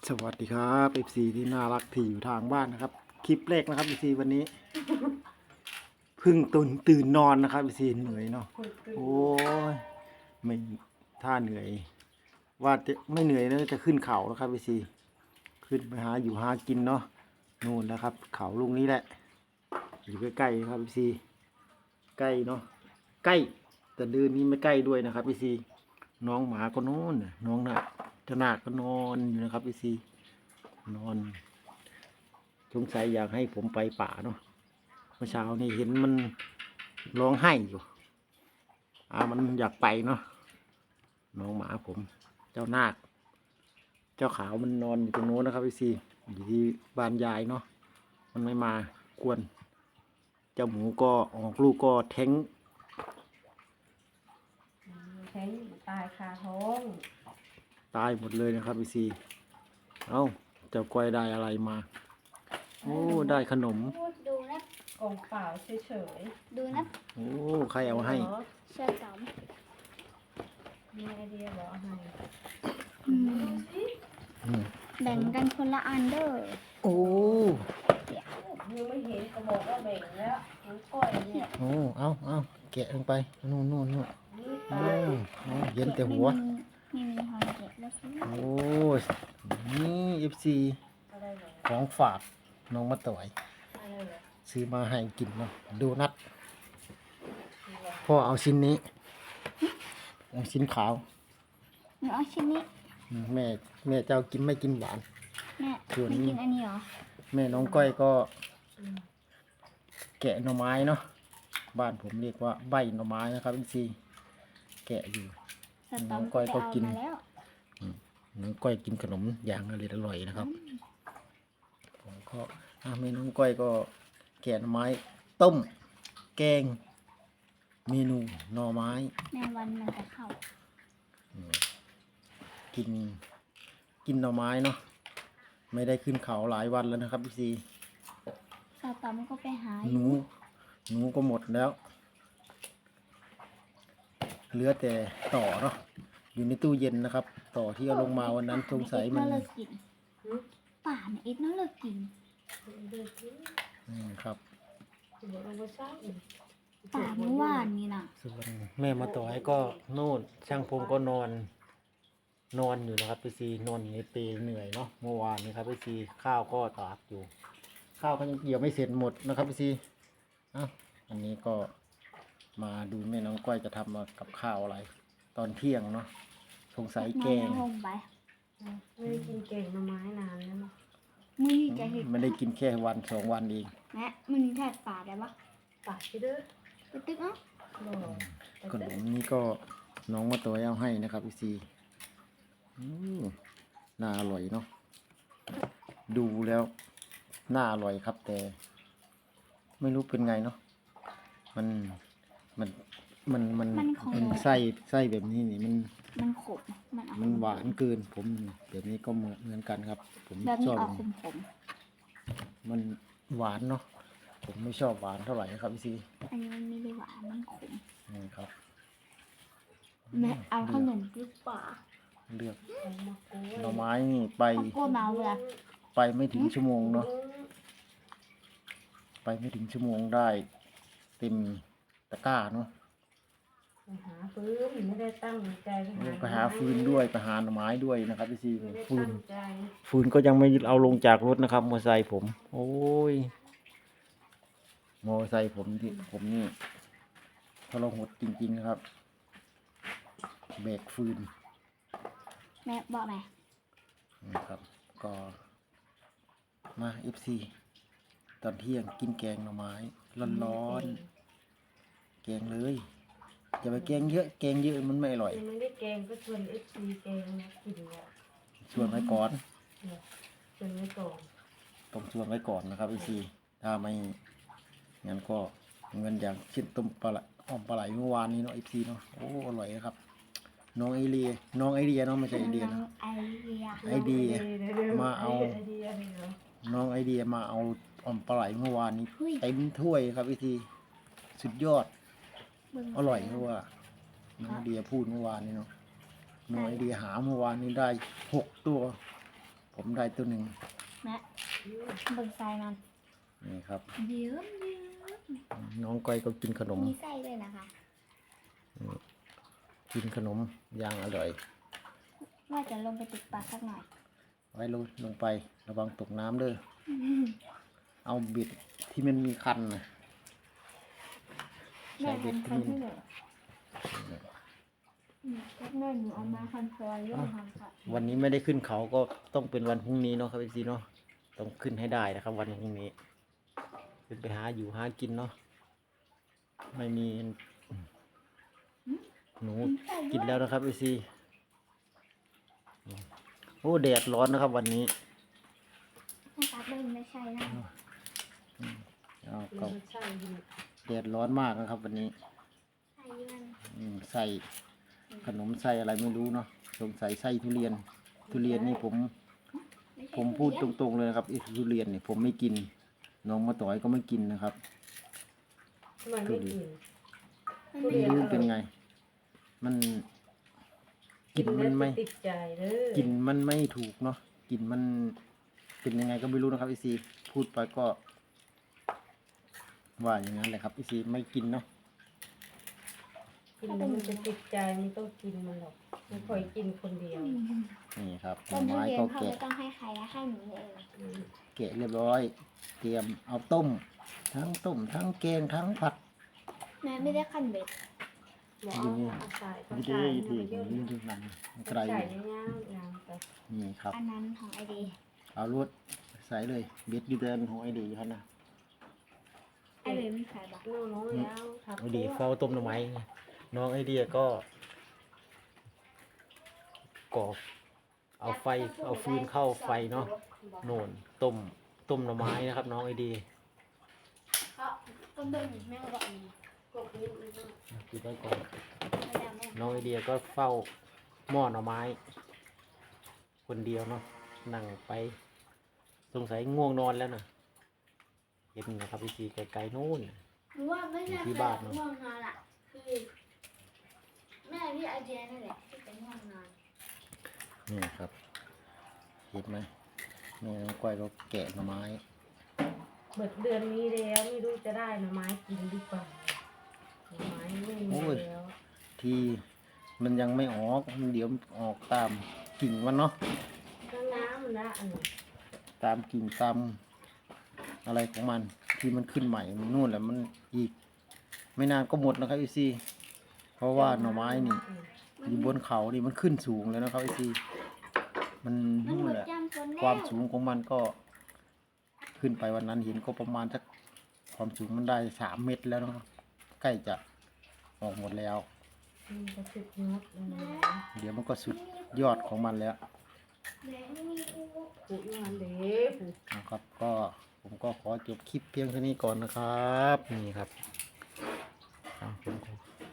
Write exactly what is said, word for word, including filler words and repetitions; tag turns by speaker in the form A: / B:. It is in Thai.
A: สวัสดีครับ เอฟ ซี ที่น่ารักที่อยู่ทางบ้านนะครับคลิปแรกนะครับ เอฟ ซี วันนี้เพิ่งตื่นตื่นนอนนะครับ เอฟ ซี เหนื่อยเนาะโอ้ยไม่ถ้าเหนื่อย ว่าจะไม่เหนื่อยนะจะขึ้นเขาแล้วครับ เอฟ ซี ขึ้นไปหาอยู่หากินเนาะนู่นนะครับ เขาลูกนี้แหละอยู่ใกล้ๆครับ เอฟ ซี ใกล้เนาะใกล้แต่เดินนี้ไม่ใกล้ด้วยนะครับ เอฟ ซี น้องหมาก็นอนน้องน่ะเจ้านาคก็นอนอยู่นะครับ เอฟ ซี นอนสงสัยอยากให้ผมไปป่าเนาะเมื่อเช้านี่เห็นมันร้องไห้อยู่อ่ามันอยากไปเนาะน้องหมาผม เจ้านาคเจ้าขาวมันนอนอยู่ตรงโน้นนะครับพี่ซีอยู่ที่บ้านยายเนาะมันไม่มากวนเจ้าหมูก็ออกลูกก็แท้ง
B: แท้งตายคาท้อง
A: ตายหมดเลยนะครับพี่ซีเอ้าเจ้าก้อยได้อะไรมาโอ้ได้ขนม
C: ดูนะ
B: กล่องเปล่าเฉย
C: ดูนะ
A: โอ้ใคร
B: ๆ
A: เอาให้
B: เหรอ
C: เสื้อสาม
B: มีไอเดียเหรอเอาให้
C: อืม
A: อืม
C: แบ่งกันคนละอันเด้อ
A: โอ้
B: ยังไม่เห็นก็บอกว่าแบ่งแล้วน้องก้อยเนี่ย
A: โอ้เอาเอาแกะลงไปนู่นนู่นนู่น
B: นี่
A: โอ้
B: ตาย
A: โอ้เย็นแต่หัว
C: ไม่มีหอยเก็บแล้วสิ
A: โอ้ยนี่เอฟซี
B: อะไรเหรอ
A: ของฝากน้องมาต่อย
B: อะไรเหรอ
A: ซื้อมาให้กินเนาะดูนัดพ่อเอาชิ้นนี้เอาชิ้นขาว
C: หนูเอาชิ้นนี้
A: อืมแม่แม่เจ้ากินไม่กินหวาน
C: แม่
A: ส่วน
C: ไม่
A: นี้
C: กินอันนี้เหรอ
A: แม่น้องก้อยก็
B: อืม
A: แกะหน่อไม้เนาะบ้านผมเรียกว่าใบหน่อไม้นะครับเอฟซีแกะอยู่
C: สตอม
A: น้องก้อยก็
C: ไปเอา
A: กิน
C: มาแล้ว
A: น้องก้อยกินขนมอย่างอร่อยอร่อยนะครับผมก็อ่ะแม่น้องก้อยก็แกะหน่อไม้ ต้ม แกง เมนูหน่อไม้
C: แม่วันมันจะเข้า
A: กิน กินหน่อไม้เนาะไม่ได้ขึ้นเขาหลายวันแล้วนะครับพี่ซี
C: สตอมก็ไปหา
A: หนูหนูก็หมดแล้ว เหลือแต่ต่อเนาะอยู่ในตู้เย็นนะครับ ต่อที่เอาลงมาวันนั้นสงสัยมัน
C: เลิกกินป่าเนี่ยอิดน่าเลิกกิน
B: ดูสิ
A: อืมครับ
B: เดี๋ยวเอาไปซักอีก
C: ป่าเมื่อวานนี่นะ
A: ส่วนแม่มาต่อให้ก็โน่นช่างพงก็นอน นอนอยู่นะครับพี่ซีนอนอยู่ในเปลเหนื่อยเนาะเมื่อวานนี้ครับพี่ซีข้าวก็ตากอยู่ ข้าวก็ยังเกี่ยวไม่เสร็จหมดนะครับพี่ซีอ่ะอันนี้ก็มาดูแม่น้องก้อยจะทำมากับข้าวอะไร ตอนเที่ยงเนาะสงสัยแกง
C: นอนลงไป
B: ไม่ได้กินเก่งหน่อไม้นานแล้วมั้ง
C: มือนี่จะเห็น
A: ไม่ได้กินแค่วันสองวันเอง
C: แม่มือนี่แทดป่าได้ปะ
B: ปากชิเด้อ
C: ไปตึกเนาะ
B: หรอแต่
A: ขนมนี้ก็น้องมาตัวเอาให้นะครับพี่ซีอืมน่าอร่อยเนาะดูแล้วน่าอร่อยครับ แต่ ไม่รู้เป็นไงเนาะมันมันมันมันมันไส้ไส้แบบนี้นี่มัน
C: มันขมมันเอา
A: มันหวานเกินผมแบบนี้ก็เหมือนเหมือนกันครับ ผม
C: แบบ
A: ช
C: นี้
A: อบ
C: ออกขมขม
A: มันหวานเนาะผมไม่ชอบหวานเท่าไหร่ครับพี่ซี
C: ๆอันนี้มันไม่ได้หวานมันขม
A: นี่ครับ
C: แม่เอาขนมหรือเปล่า
A: เลือก
B: เอามากล้วย
A: หน่อไม้นี่ไป
C: เขากลัวเมาเลยอะ
A: ไปไม่ถึงชั่วโมงเนาะไปไม่ถึงชั่วโมงได้เต็มตะกร้าเนาะ
B: ไปหาปืนไม่ได้ตั้งใจ
A: ไปหาฟืนด้วยไปหาหน่อไม้ด้วยนะครับพี่ซี
B: ไม่ได้
A: ฟืน
B: ตั้งใจ
A: ฟืนก็ยังไม่เอาลงจากรถนะครับมอเตอร์ไซค์ผม โอ้ยมอเตอร์ไซค์ผมที่ผมนี่ทรหดจริงๆนะครับเบรกฟืน
C: แม่บอกไหม
A: นะครับ ก็มาเอฟซีตอนเที่ยงกินแกงหน่อไม้ร้อนๆแกงเลยอย่าไปแกงเยอะแกงเยอะมันไม่อร่อย
B: ยังไม่ได้แกงก็ชวนเอฟซีแกงนะกินแล้ว
A: ชวนไว้ก่อน
B: เนี่ยชวนไว้ก่อน
A: ต้องชวนไว้ก่อนนะครับพี่ซีถ้าไม่งั้นก็เงินอย่างเช่นต้มปลาไหลอ้อมปลาไหลเมื่อวานนี้เนาะเอฟซีเนาะโอ้อร่อยนะครับน้องไอเดียน้องไอเดียเนาะไม่ใช่ไอเดีย
C: น้
A: นะ
C: องไอเดีย
A: ไอเดีย
B: ดี๋ยวๆ
A: มาเอา
B: ไอเดียเหรอ
A: น้องไอเดียมาเอาอ้อมปลาไหลเมื่อวานนี้เต็มถ้วยครับพี่ซีสุดยอด
C: เบิ่ง
A: อร่อยเพราะว่าน้องไอเดียพูดเมื่อวานนี้เนาะน้องไอเดียหาเมื่อวานนี้ได้หกตัวผมได้ตัวหนึ่ง
C: แม่เบิ่งไส้มัน
A: นี่ครับ
C: เยิ้มเยิ้ม
A: น้องก้อยก็กินขนม
C: มีไส้ด้วยนะคะ
A: กินขนมอย่างอร่อย
C: ว่าจะลงไปติดปลาสักหน่อย
A: ไว้ลงลงไประวังตกน้ำเด้อเอาบิดที่มันมีคันนะ
C: แม่
A: ใส่เบ็ด
C: ทำคัน
A: ขึ้น
C: ให้หนูอืมแป๊บหนึงหนูเอามาคันซอยเรื่องทำค่ะ
A: วันนี้ไม่ได้ขึ้นเขาก็ต้องเป็นวันพรุ่งนี้เนาะครับพี่ซีเนาะต้องขึ้นให้ได้นะครับ วันพรุ่งนี้ขึ้นไปหาอยู่หากินเนาะไม่มีหนูกินแล้วนะครับพี่ซีโอ้แดดร้อนนะครับ วันนี้
C: ถ้าตัดเบิ่งไม่ใช่นะ
A: เอาก็
B: มันใช่ดี
A: แดดร้อนมากนะครับ วันนี้
C: ไส้มัน
A: อืมใส่ขนมใส่อะไรไม่รู้เนาะสงสัยใส่ทุเรียน ทุเรียนนี่ผม
C: ไม่ใช่
A: ผมพูดตรงๆเลยนะครับไอ้ทุเรียนเนี่ยผมไม่กิน น้องมาต่อยก็ไม่กินนะครับ
B: ทำไมไม่กิน
C: มัน
B: ทุ
C: ไม่
B: เรีย
A: ไม่รู้เป็นไง มันกลินมันไม่
B: แล้วจะติดใจเด้อก
A: ลินมันไม่ถูกเนาะกลินมันเป็นยังไงก็ไม่รู้นะครับไอซีพูดไปก็ ว่าอย่างนั้นแหละครับไอซีไม่กินเนาะ
B: กินแล้วมันจะติดใจไม่ต้องกินมันหรอกไม่ค่อยกินคนเดียว
A: นี่ครับห
C: ต้
A: น่อน
C: ทุ
A: ไม้
C: เรียน
A: ก็
C: เขา
A: แกะ
C: ไม่ต้องให้ใครให้หนูเอง
B: อืม
A: แกะเรียบร้อย เตรียมเอาต้ม ทั้งต้ม ทั้งแกงทั้งผัด
C: แม่ไม่ได้ขั้นเบ็ด
B: บอกเอาเอาใส่เอา
A: นี่
B: ใส่
A: ดี
B: เอา
A: ดี
B: ไปเยอะ
A: นี่ดูหนังไกล
B: ใส่ยาวๆยาวไป
A: นี่ครับ
C: อันนั้นของไอเดี
A: เอารวดใส่เลยเบ็ดดีเดินของไอเดีครับนะ
C: ไอเดีไม่ใส่บัก
B: น้องน้องแล้วทับ
A: ไอเดีเฝ้าต้มหน่อไม้ไงน้องไอเดียก็ก่อเอาไฟเอาฟืนเข้าไฟเนาะโน่นต้มต้มหน่อไม้นะครับ น้องไอเดีย
C: เขาต้นเบิ่งแม่ก็บอกอันนี้
B: กบนี้มันก็
A: กินไว้ก่อน
C: ไม่ได้แม่
A: น้องไอเดียก็เฝ้าหม้อหน่อไม้ คนเดียวเนาะนั่งไป สงสัยง่วงนอนแล้วนะเห็นนะครับพี่ซีไกลๆนู่น
C: หนูว่าไม่ใช่
A: ที่
C: แค่
A: บ้านเนอะ
C: ง่วงนอนอ่ะคือแม่พี่ไอเดียนั่นแหละที่เป็นง่วงนอน
A: นี่ครับ เห็นไหมแม่น้องก้อยก็แกะหน่อไม้
B: เบิดเดือนนี้แล้วไม่รู้จะได้หน่อไม้กินหรือเปล่าหน่อไม้ไม่มีแล้ว
A: ที่มันยังไม่ออกมันเดี๋ยวออกตามกิ่งมันเนาะ
B: ก็น้ำนะอันนี้
A: ตามกิ่งตามอะไรของมันที่มันขึ้นใหม่มันนู่นแหละมันอีก ไม่นานก็หมดนะครับไอซีเพราะว่าหน่อไม้นี่อยู่บนเขานี่มันขึ้นสูงเลยนะครับไอซีมัน
C: มัน
A: นู่
C: หม
A: น
C: ด
A: แหละ
C: จำคน
A: ความสูงของมันก็ขึ้นไปวันนั้นเห็นก็ประมาณสักความสูงมันได้สามเมตรแล้วนะครับใกล้จะออกหมดแล้ว
B: มันจะสุดยอดเลยนะ
A: เดี๋ยวมันก็สุดยอดของมันแล้ว
C: แม่ไม่มีอู
B: ผูกงานเด้ผูก
A: นะครับ ก็ผมก็ขอจบคลิปเพียงเท่านี้ก่อนนะครับ นี่ครับอ่ะผมขอ